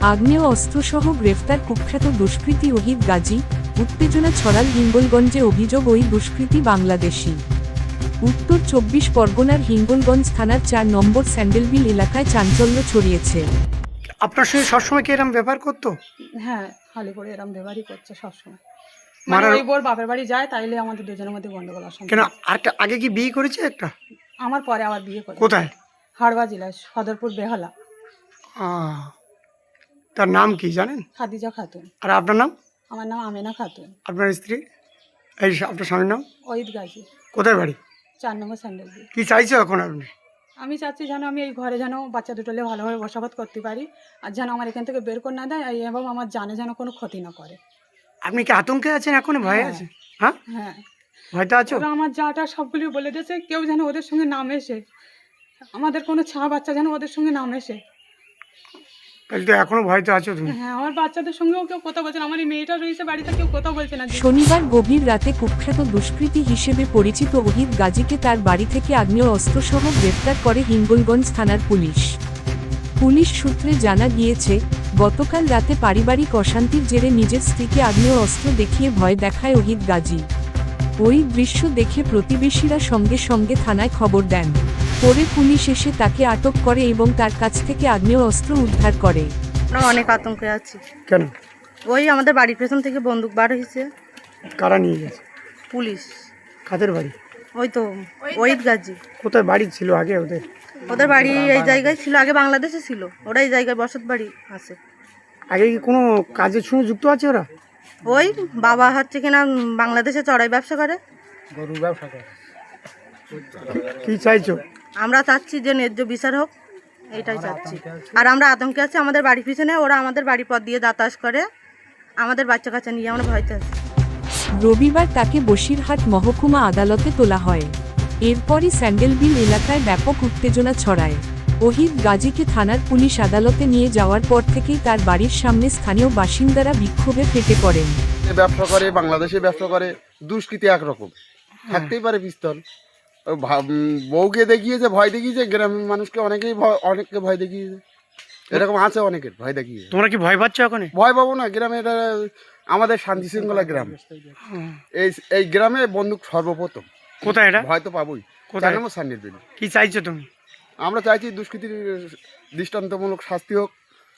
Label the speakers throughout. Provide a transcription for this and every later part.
Speaker 1: আগ্নেয় অস্ত্রসহ গ্রেফতার কুখ্যাত দুষ্কৃতী ওহিদ গাজী। উত্তেজনা ছড়াল হিঙ্গলগঞ্জে, অভিযোগ ওই দুষ্কৃতী বাংলাদেশি। উত্তর 24 পরগনার হিঙ্গলগঞ্জ থানার 4 নম্বর স্যান্ডেলবিল এলাকায় চাঞ্চল্য ছড়িয়েছে।
Speaker 2: আপনার সঙ্গে সবসময় কি এরকম ব্যবহার করতো?
Speaker 3: হ্যাঁ, খালি করে এরকম ব্যবহারই করছে সবসময়।
Speaker 2: মারার-
Speaker 3: ওই বোর বাপের বাড়ি যায়, তাইলে আমাদের দুজনের মধ্যে গন্ডগোল আসে।
Speaker 2: কেন আরেকটা আগে কি বিয়ে করেছে একটা?
Speaker 3: আমার পরে আবার বিয়ে করে।
Speaker 2: কোথায়?
Speaker 3: হাড়বা জেলায় সদরপুর বেহালা।
Speaker 2: তার নাম কি জানেন?
Speaker 3: খাদিজা খাতুন।
Speaker 2: আর আপনার নাম?
Speaker 3: আমার নাম আমেনা খাতুন।
Speaker 2: আপনার স্ত্রী? এই আপনার স্বামীর নাম?
Speaker 3: ওহিদ গাজী,
Speaker 2: কোথায় বাড়ি?
Speaker 3: 4 নম্বর স্যান্ডেলবিল।
Speaker 2: কি চাইছো এখন আপনি?
Speaker 3: আমি চাচ্ছি যেন আমি এই ঘরে যেন বাচ্চা দুটোলে ভালোভাবে বসবাস করতে পারি, আর যেন আমার এখান থেকে বের করে না দেয়, এবং আমার জানে যেন কোনো ক্ষতি না করে।
Speaker 2: আপনি কি আতঙ্কে আছেন এখন? ভয়ে আছে? হ্যাঁ,
Speaker 3: হ্যাঁ,
Speaker 2: ভয়তে আছো?
Speaker 3: ওরা আমার যাটা সবগুলি বলে দিয়েছে, কেউ যেন ওদের সঙ্গে না মেশে, আমাদের কোনো ছা বাচ্চা যেন ওদের সঙ্গে না মেশে।
Speaker 2: তাহলে তো এখনো ভয়তে আছো তুমি?
Speaker 3: হ্যাঁ, আমার বাচ্চাদের সঙ্গেও কেউ কথা বলছে না, আমার এই মেয়েটা রয়েছে বাড়িতে, কেউ কথা বলছে না।
Speaker 1: শনিবার গভীর রাতে কুখ্যাত দুষ্কৃতী হিসেবে পরিচিত ওহিদ গাজীকে তার বাড়ি থেকে আগ্নেয় অস্ত্রসহ গ্রেফতার করে হিঙ্গলগঞ্জ থানার পুলিশ। পুলিশ সূত্রে জানা গিয়েছে, গতকাল রাতে পারিবারিক অশান্তির জেরে নিজের স্ত্রীকে আগ্নেয় অস্ত্র দেখিয়ে ভয় দেখায় ওহিদ গাজী। ওই দৃশ্য দেখে প্রতিবেশীরা সঙ্গে সঙ্গে থানায় খবর দেন। পরে পুলিশ এসে তাকে আটক করে এবং তার কাছ থেকে আগ্নেয় অস্ত্র উদ্ধার করে।
Speaker 4: আমরা অনেক আতঙ্কে আছি।
Speaker 2: কেন?
Speaker 4: ওই আমাদের বাড়ির পেছন থেকে বন্দুক বার হয়েছে।
Speaker 2: কারা নিয়ে গেছে?
Speaker 4: পুলিশ।
Speaker 2: কাদের বাড়ি?
Speaker 4: ওই তো ওহিদ গাজী।
Speaker 2: কোথায় বাড়ি ছিল আগে ওদের?
Speaker 4: ওদের বাড়ি এই জায়গায় ছিল, আগে বাংলাদেশে ছিল, ওরা এই জায়গায় বসত বাড়ি আছে।
Speaker 2: আগে কি কোনো কাজের সঙ্গে যুক্ত আছে ওরা?
Speaker 4: ওই বাবা হচ্ছে কিনা বাংলাদেশে চড়াই ব্যবসা করে।
Speaker 2: গরুর ব্যবসা করে। কি চাইছো?
Speaker 4: আমরা চাচ্ছি যে ন্যায্য বিচার হোক, এইটাই চাচ্ছি। আর আমরা আতঙ্কে আছি, আমাদের বাড়ির পিছনে ওরা আমাদের বাড়ির পথ দিয়ে যাতায়াত করে, আমাদের বাচ্চা কাচ্চা নিয়ে আমরা ভয়তে আছি।
Speaker 1: রবিবার তাকে বসিরহাট মহকুমা আদালতে তোলা হয়। এরপরই স্যান্ডেলবিল এলাকায় ব্যাপক উত্তেজনা ছড়ায়। ওহিদ গাজীকে থানার পুলিশ আদালতে নিয়ে যাওয়ার পর থেকেই তার বাড়ির সামনে স্থানীয় বাসিন্দারা বিক্ষোভে ফেটে পড়েন।
Speaker 5: ব্যবসা করে, বাংলাদেশে ব্যবসা করে, দুষ্কৃতি একরকম থাকতেই পারে পিস্তল। বউকে দেখিয়েছে, ভয় দেখিয়েছে, গ্রামের মানুষকে অনেককে ভয় দেখিয়েছে, এরকম আছে অনেকের ভয় দেখিয়েছে।
Speaker 2: তোমরা কি ভয় পাচ্ছ এখন?
Speaker 5: ভয় পাবো না, গ্রামে এটা আমাদের শান্তি শৃঙ্খলা গ্রাম। এই গ্রামে বন্দুক সর্বপ্রথম।
Speaker 2: কোথায় এটা?
Speaker 5: ভয় তো পাবোই।
Speaker 2: কোথায়?
Speaker 5: স্যান্ডেলবিল।
Speaker 2: কি চাইছো তুমি?
Speaker 5: আমরা চাইছি দুষ্কৃতির দৃষ্টান্তমূলক শাস্তি হোক,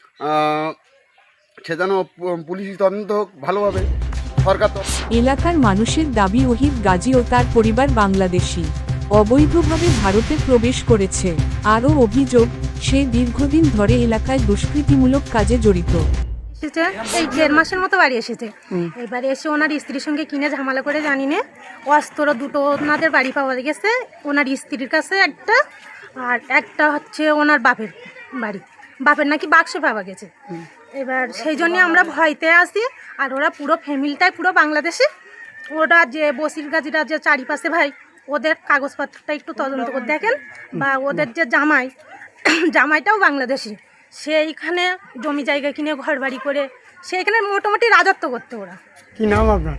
Speaker 5: সে যেন পুলিশ তদন্ত হোক ভালোভাবে, সরকার তো।
Speaker 1: এলাকার মানুষের দাবি, ওহিদ গাজী ও তার পরিবার বাংলাদেশি, অবৈধভাবে ভারতে প্রবেশ করেছে। আরও অভিযোগ, সে দীর্ঘদিন ধরে এলাকায় দুষ্কৃতিমূলক কাজে জড়িত।
Speaker 6: এসেছে এই 1.5 মাসের মতো বাড়ি এসেছে। এবারে এসে ওনার স্ত্রীর সঙ্গে কিনে ঝামেলা করে, জানি না, অস্ত্র দুটো ওনাদের বাড়ি পাওয়া গেছে, ওনার স্ত্রীর কাছে একটা, আর একটা হচ্ছে ওনার বাপের বাড়ি, বাপের নাকি বাক্সে পাওয়া গেছে। এবার সেই জন্যে আমরা ভয়তে আছি। আর ওরা পুরো ফ্যামিলিটাই পুরো বাংলাদেশি। ওরা যে বসির গাজীরা যে চারিপাশে ভাই, ওদের কাগজপত্রটা একটু তদন্ত করে দেখেন, বা ওদের যে জামাইটাও বাংলাদেশি, সেইখানে জমি জায়গা কিনে ঘর বাড়ি করে সেইখানে মোটামুটি রাজত্ব করতে ওরা।
Speaker 2: কি নাম আপনার?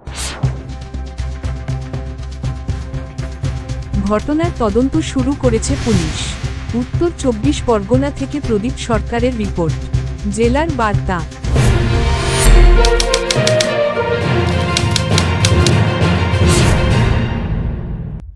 Speaker 1: ঘটনার তদন্ত শুরু করেছে পুলিশ। উত্তর 24 পরগনা থেকে প্রদীপ সরকারের রিপোর্ট, জেলার বার্তা।